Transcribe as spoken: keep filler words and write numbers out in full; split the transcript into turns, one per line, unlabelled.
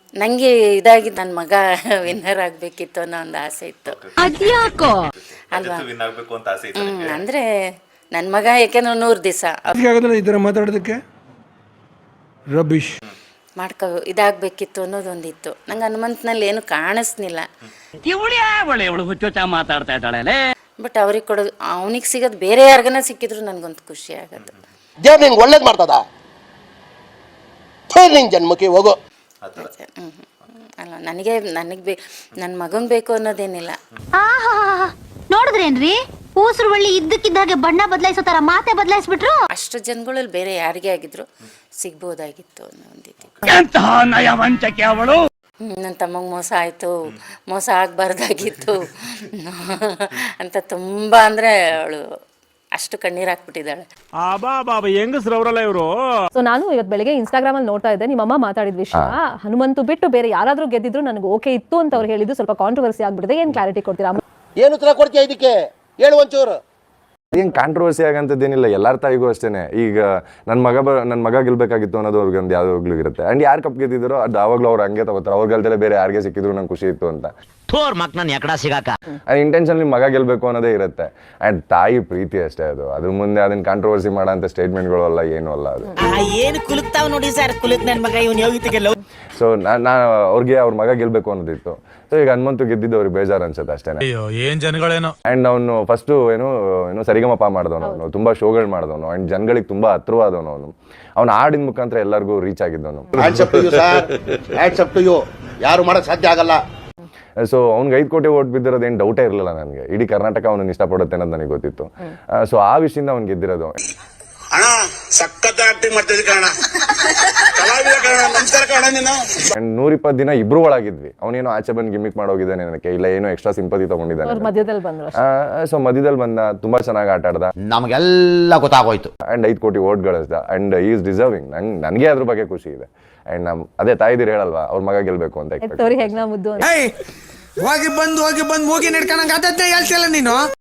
ನನಗೆ ಇದಾಗಿ ನನ್ನ ಮಗ ವಿನ್ನರ್ ಆಗಬೇಕಿತ್ತು ಅನ್ನೋ ಒಂದು ಆಸೆ ಇತ್ತು.
ಅದ್ಯಾಕೋ
ಅಲ್ವಾ?
ವಿನ್ ಆಗಬೇಕು ಅಂತ ಆಸೆ ಇತ್ತು.
ಹ್ಮ್, ಅಂದರೆ ನನ್ನ ಮಗ ಯಾಕೆಂದ್ರೆ ನೂರು ದಿವಸ
ಈ ಥರ ಮಾತಾಡೋದಕ್ಕೆ ರಬೀಶ್
ಮಾಡ್ಕೊ ಇದಾಗಬೇಕಿತ್ತು ಅನ್ನೋದೊಂದಿತ್ತು. ನಂಗೆ ಹನುಮಂತನಲ್ಲಿ ಏನು ಕಾಣಿಸ್ನಿಲ್ಲ.
ಮಾತಾಡ್ತಾ ಇದ್ದಾಳೆ.
ಬಟ್ ಅವ್ರಿಗೆ ಕೊಡೋದು, ಅವನಿಗೆ ಸಿಗೋದು ಬೇರೆ ಯಾರಿಗನ ಸಿಕ್ಕಿದ್ರು ನನಗೊಂದು ಖುಷಿ ಆಗೋದು.
ದೇವ್ರು ನಿಂಗೆ ಒಳ್ಳೇದು ಮಾಡ್ತದ, ನಿಂಗೆ ಜನ್ಮಕ್ಕೆ ಹೋಗೋ.
ಹ್ಞೂ ಅಲ್ಲ, ನನಗೆ ನನಗೆ ಬೇ ನನ್ನ ಮಗಂಗೆ ಬೇಕು ಅನ್ನೋದೇನಿಲ್ಲ.
ಆಹಾ ನೋಡಿದ್ರೇನ್ರಿ ಊಸರು ಬಳ್ಳಿ ಇದ್ದಕ್ಕಿದ್ದಾಗೆ ಬಣ್ಣ ಬದಲಾಯಿಸೋ ತರ ಮಾತೆ ಬದಲಾಯಿಸ್ಬಿಟ್ರು.
ಅಷ್ಟು ಜನಗಳಲ್ಲಿ ಬೇರೆ ಯಾರಿಗೇ ಆಗಿದ್ರು ಸಿಗ್ಬೋದಾಗಿತ್ತು ಅನ್ನೋ ಒಂದಿತ್ತು. ನನ್ನ ತಮ್ಮಂಗೆ ಮೋಸ ಆಯಿತು, ಮೋಸ ಆಗಬಾರ್ದಾಗಿತ್ತು ಅಂತ ತುಂಬ ಅಂದರೆ ಅವಳು ಅಷ್ಟು ಕಣ್ಣೀರು ಹಾಕ್ಬಿಟ್ಟಿದ್ದಾಳೆ.
ಸೊ ನಾನು ಇವತ್ತು ಬೆಳಗ್ಗೆ ಇನ್ಸ್ಟಾಗ್ರಾಮ್ ಅಲ್ಲಿ ನೋಡ್ತಾ ಇದ್ದೆ, ನಿಮ್ಮಮ್ಮ ಮಾತಾಡಿದ ವಿಷಯ ಹನುಮಂತು ಬಿಟ್ಟು ಬೇರೆ ಯಾರಾದ್ರೂ ಗೆದ್ದಿದ್ರು ನನಗೆ ಓಕೆ ಇತ್ತು ಅಂತ ಅವ್ರು ಹೇಳಿದ್ದು ಸ್ವಲ್ಪ ಕಾಂಟ್ರವರ್ಸಿ ಆಗ್ಬಿಟ್ಟಿದೆ. ಏನ್ ಕ್ಲಾರಿಟಿ ಕೊಡ್ತೀರಾ?
ಏನು ಉತ್ತರ ಕೊಡ್ತೀಯ ಇದಕ್ಕೆ, ಹೇಳು ಒಂಚೂರು.
ಏನು ಕಾಂಟ್ರವರ್ಸಿ ಆಗಂತದ್ದೇನಿಲ್ಲ, ಎಲ್ಲರ ತಾಯಿಗೂ ಅಷ್ಟೇ. ಈಗ ನನ್ನ ಮಗ ಬ ನನ್ನ ಮಗ ಗೆಲ್ಬೇಕಾಗಿತ್ತು ಅನ್ನೋದು ಅವ್ರಿಗೊಂದು ಯಾವಾಗಲೂ ಇರುತ್ತೆ. ಆ್ಯಂಡ್ ಯಾರು ಕಪ್ ಗೆದ್ದಿದ್ರು ಅದು ಆವಾಗಲೂ ಅವ್ರು ಹಂಗೆ ತಗೋತಾರೆ. ಅವ್ರ ಗೆಲ್ದಲ್ಲೇ ಬೇರೆ ಯಾರಿಗೆ ಸಿಕ್ಕಿದ್ರು ನಂಗೆ ಖುಷಿ ಇತ್ತು ಅಂತ ಇಂಟೆನ್ಷನ್ಲಿ ಮಗ ಗೆಲ್ಬೇಕು ಅನ್ನೋದೇ ಇರುತ್ತೆ. ಆ್ಯಂಡ್ ತಾಯಿ ಪ್ರೀತಿ ಅಷ್ಟೇ ಅದು. ಅದ್ರ ಮುಂದೆ ಅದನ್ನ ಕಾಂಟ್ರವರ್ಸಿ ಮಾಡೋ ಅಂತ ಸ್ಟೇಟ್ಮೆಂಟ್ಗಳು ಅಲ್ಲ, ಏನೂ ಅಲ್ಲ ಅದು.
ಏನು ಕುಲುಕ್ತಾವ್ ನೋಡಿ ಸರ್, ಕುಲುಕ್ ನನ್ನ ಮಗ ಇವನು ಯೋಗಿತಿಗೆ.
ಸೊ ನಾ ಅವ್ರಿಗೆ ಅವ್ರ ಮಗ ಗೆಲ್ಬೇಕು ಅನ್ನೋದಿತ್ತು. ಸೊ ಈಗ ಹನುಮಂತು ಗೆದ್ದಿದ್ದು ಅವ್ರಿಗೆ ಬೇಜಾರು ಅನ್ಸುತ್ತೆ ಅಷ್ಟೇ.
ಏನ್ ಜನಗಳೇನೋ.
ಆ್ಯಂಡ್ ಅವನು ಫಸ್ಟು ಏನು ಏನು ಸರಿಗಮಪ ಮಾಡಿದವನು, ಅವನು ತುಂಬ ಶೋಗಳು ಮಾಡಿದವನು. ಆ್ಯಂಡ್ ಜನಗಳಿಗೆ ತುಂಬ ಹತ್ರವಾದವನು. ಅವನು ಅವ್ನು ಹಾಡಿನ ಮುಖಾಂತರ ಎಲ್ಲರಿಗೂ ರೀಚ್ ಆಗಿದ್ದವನು.
ಯಾರು ಮಾಡಕ್ ಸಾಧ್ಯ ಆಗಲ್ಲ.
ಸೊ ಅವ್ನಿಗೆ ಐದು ಕೋಟಿ ಓಟ್ ಬಿದ್ದಿರೋದು ಏನು ಡೌಟೇ ಇರಲಿಲ್ಲ ನನಗೆ. ಇಡೀ ಕರ್ನಾಟಕ ಅವನನ್ನು ಇಷ್ಟಪಡುತ್ತೆ ಅನ್ನೋದು ನನಗೆ ಗೊತ್ತಿತ್ತು. ಸೊ ಆ ವಿಷಯದಿಂದ ಅವ್ನು ಗೆದ್ದಿರೋದು. ನೂರಿಪ್ಪತ್ತು ದಿನ ಇಬ್ರು ಒಳಗಿದ್ವಿ. ಅವನೇನೋ ಆಚೆ ಬಂದು ಗಿಮಿಕ್ ಮಾಡೋಗಿದ್ದಾನೆ ನನಗೆ, ಇಲ್ಲ ಏನೋ ಎಕ್ಸ್ಟ್ರಾ ಸಿಂಪತಿ ತಗೊಂಡಿದ್ದಾನೆ.
ಮಧ್ಯದಲ್ಲಿ ಬಂದ್ರು.
ಸೊ ಮಧ್ಯದಲ್ಲಿ ಬಂದ, ತುಂಬಾ ಚೆನ್ನಾಗಿ ಆಟ ಆಡ್ದ,
ನಮಗೆಲ್ಲ ಗೊತ್ತಾಗೋಯ್ತು.
ಅಂಡ್ ಐದು ಕೋಟಿ ಓಟ್ ಗಳಿಸ್ದ. And is deserving. ನಂಗೆ ನನಗೆ ಅದ್ರ ಬಗ್ಗೆ ಖುಷಿ ಇದೆ. ಅಂಡ್ ನಮ್ ಅದೇ ತಾಯಿದಿರು ಹೇಳಲ್ವಾ, ಅವ್ರ ಮಗ ಗೆಲ್ಬೇಕು ಅಂತ.
ಹೆಗ್ನಾ ಮುದ್ದು
ಹೋಗಿ ಬಂದು ಹೋಗಿ ಬಂದು ಹೋಗಿ ನಡ್ಕೊಂಡಂಗ ಹೇಳ್ತಿಲ್ಲ ನೀನು.